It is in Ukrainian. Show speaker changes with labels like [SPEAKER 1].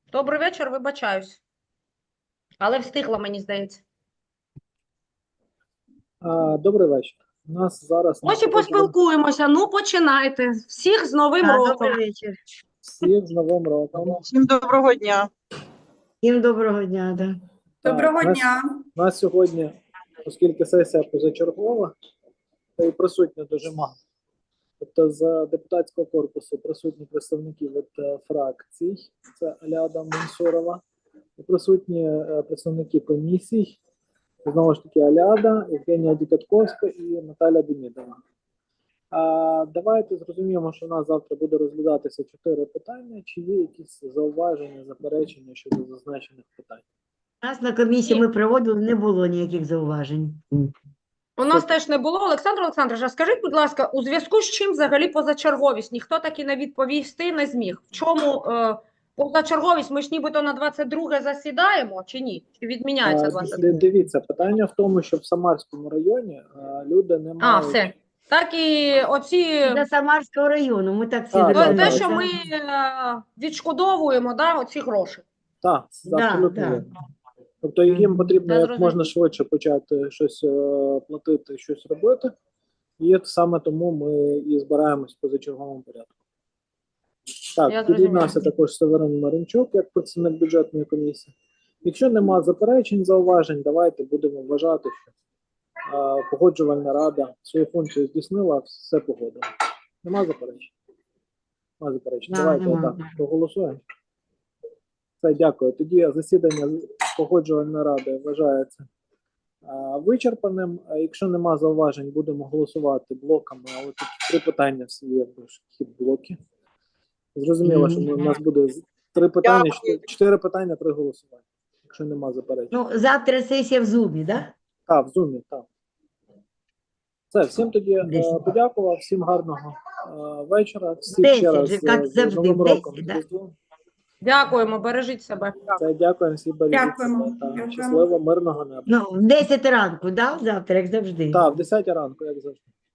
[SPEAKER 1] Добрий вечір, вибачаюсь. Але встигла, мені здається.
[SPEAKER 2] Добрий вечір. У нас зараз
[SPEAKER 1] Ось і поспілкуємося. Ну, починайте. Всіх з Новим роком.
[SPEAKER 3] Добрий вечір.
[SPEAKER 2] всіх з Новим роком.
[SPEAKER 4] Всім доброго дня.
[SPEAKER 3] Всім доброго дня. Да.
[SPEAKER 2] Доброго дня. У нас сьогодні, оскільки сесія позачергова, та й присутні дуже мало. Тобто з депутатського корпусу присутні представники від фракцій, це Аляда Мансурова, і присутні представники комісій, знову ж таки Аляда, Євгенія Дікатковська і Наталя Демідова. Давайте зрозуміємо, що у нас завтра буде розглядатися 4 питання. Чи є якісь зауваження, заперечення щодо зазначених питань?
[SPEAKER 3] У нас на комісії ми проводили, не було ніяких зауважень.
[SPEAKER 1] У нас теж не було. Олександр Олександрович, а скажіть, будь ласка, у зв'язку з чим взагалі позачерговість? Ніхто таки не відповісти не зміг. В чому позачерговість? Ми ж нібито на 22 засідаємо, чи ні? Чи відміняється 22?
[SPEAKER 2] Дивіться, питання в тому, що в Самарському районі люди не мають...
[SPEAKER 1] Все. Так і оці...
[SPEAKER 3] До Самарського району, ми так всі
[SPEAKER 2] Так,
[SPEAKER 3] домовилися.
[SPEAKER 1] Те, що ми відшкодовуємо, да, оці гроші.
[SPEAKER 2] Так,
[SPEAKER 3] Да,
[SPEAKER 2] абсолютно
[SPEAKER 3] да.
[SPEAKER 2] вірно. Тобто їм потрібно
[SPEAKER 1] Я
[SPEAKER 2] як
[SPEAKER 1] зрозуміла.
[SPEAKER 2] можна швидше почати щось платити, щось робити. І саме тому ми і збираємось в позачерговому порядку.
[SPEAKER 1] Я
[SPEAKER 2] Так,
[SPEAKER 1] зрозуміла.
[SPEAKER 2] під'єднався також Северин Маринчук, як працівник бюджетної комісії. Якщо нема заперечень, зауважень, давайте будемо вважати, що погоджувальна рада свою функцію здійснила, все погодила. Нема заперечень? Нема заперечень.
[SPEAKER 3] Да,
[SPEAKER 2] Давайте
[SPEAKER 3] нема.
[SPEAKER 2] отак проголосуємо. Все, дякую. Тоді засідання погоджувальної ради вважається вичерпаним. Якщо нема зауважень, будемо голосувати блоками, але тут 3 питання всі є в хід блоки. Зрозуміло, що у нас буде 3 питання, 4 питання, 3 голосування. Якщо нема заперечень.
[SPEAKER 3] Ну, завтра сесія в Зумі, так? Да?
[SPEAKER 2] Так, в Зумі, так. Все, всім тоді
[SPEAKER 3] Десять.
[SPEAKER 2] подякував, всім гарного вечора. Всіх
[SPEAKER 3] 10
[SPEAKER 2] ще раз
[SPEAKER 3] же, як
[SPEAKER 2] з
[SPEAKER 3] завжди,
[SPEAKER 2] Новим
[SPEAKER 3] 10,
[SPEAKER 2] роком.
[SPEAKER 3] да?
[SPEAKER 2] Різдвом.
[SPEAKER 1] Дякуємо, бережіть себе.
[SPEAKER 2] Все, дякуємо, всі бережіть
[SPEAKER 4] Дякуємо.
[SPEAKER 2] себе. Так,
[SPEAKER 4] Дякуємо.
[SPEAKER 2] щасливо, мирного неба.
[SPEAKER 3] Ну, в 10 ранку, да? Завтра, як завжди.
[SPEAKER 2] Так, в 10 ранку, як завжди.